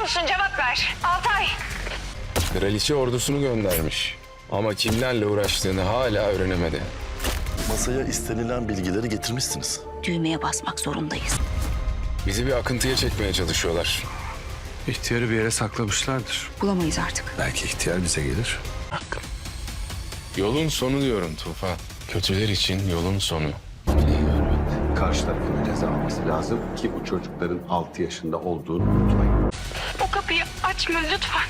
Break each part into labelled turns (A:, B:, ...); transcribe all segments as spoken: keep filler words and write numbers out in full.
A: musun? Cevap ver. Altay.
B: Kraliçe ordusunu göndermiş. Ama kimlerle uğraştığını hala öğrenemedi.
C: Masaya istenilen bilgileri getirmişsiniz.
D: Düğmeye basmak zorundayız.
B: Bizi bir akıntıya çekmeye çalışıyorlar.
E: İhtiyarı bir yere saklamışlardır.
D: Bulamayız artık.
E: Belki ihtiyar bize gelir.
B: Yolun sonu diyorum Tufan. Kötüler için yolun sonu.
F: Karşı tarafın ceza alması lazım ki bu çocukların altı yaşında olduğunu unutmayın.
A: O kapıyı açma lütfen.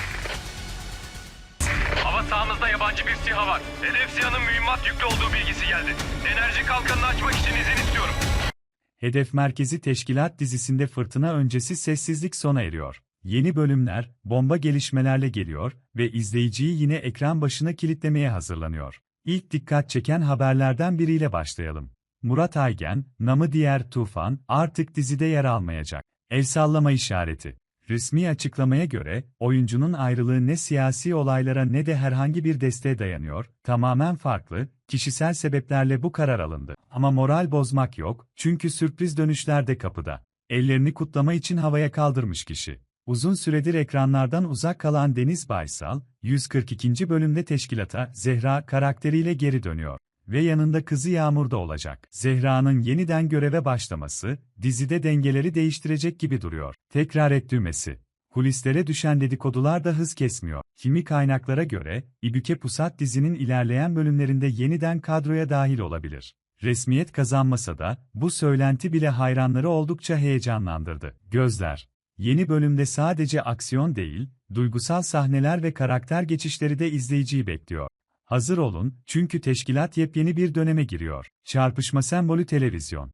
G: Hava sahamızda yabancı bir SİHA var. Hedef SİHA'nın mühimmat yüklü olduğu bilgisi geldi. Enerji kalkanını açmak için izin istiyorum.
H: Hedef Merkezi Teşkilat dizisinde fırtına öncesi sessizlik sona eriyor. Yeni bölümler, bomba gelişmelerle geliyor ve izleyiciyi yine ekran başına kilitlemeye hazırlanıyor. İlk dikkat çeken haberlerden biriyle başlayalım. Murat Aygen, namı diğer Tufan, artık dizide yer almayacak. El sallama işareti. Resmi açıklamaya göre, oyuncunun ayrılığı ne siyasi olaylara ne de herhangi bir desteğe dayanıyor, tamamen farklı, kişisel sebeplerle bu karar alındı. Ama moral bozmak yok, çünkü sürpriz dönüşler de kapıda. Ellerini kutlama için havaya kaldırmış kişi. Uzun süredir ekranlardan uzak kalan Deniz Baysal, yüz kırk ikinci bölümde teşkilata Zehra karakteriyle geri dönüyor. Ve yanında kızı Yağmur da olacak. Zehra'nın yeniden göreve başlaması, dizide dengeleri değiştirecek gibi duruyor. Tekrar et düğmesi. Kulislere düşen dedikodular da hız kesmiyor. Kimi kaynaklara göre, İbüke Pusat dizinin ilerleyen bölümlerinde yeniden kadroya dahil olabilir. Resmiyet kazanmasa da, bu söylenti bile hayranları oldukça heyecanlandırdı. Gözler. Yeni bölümde sadece aksiyon değil, duygusal sahneler ve karakter geçişleri de izleyiciyi bekliyor. Hazır olun, çünkü teşkilat yepyeni bir döneme giriyor. Çarpışma sembolü televizyon.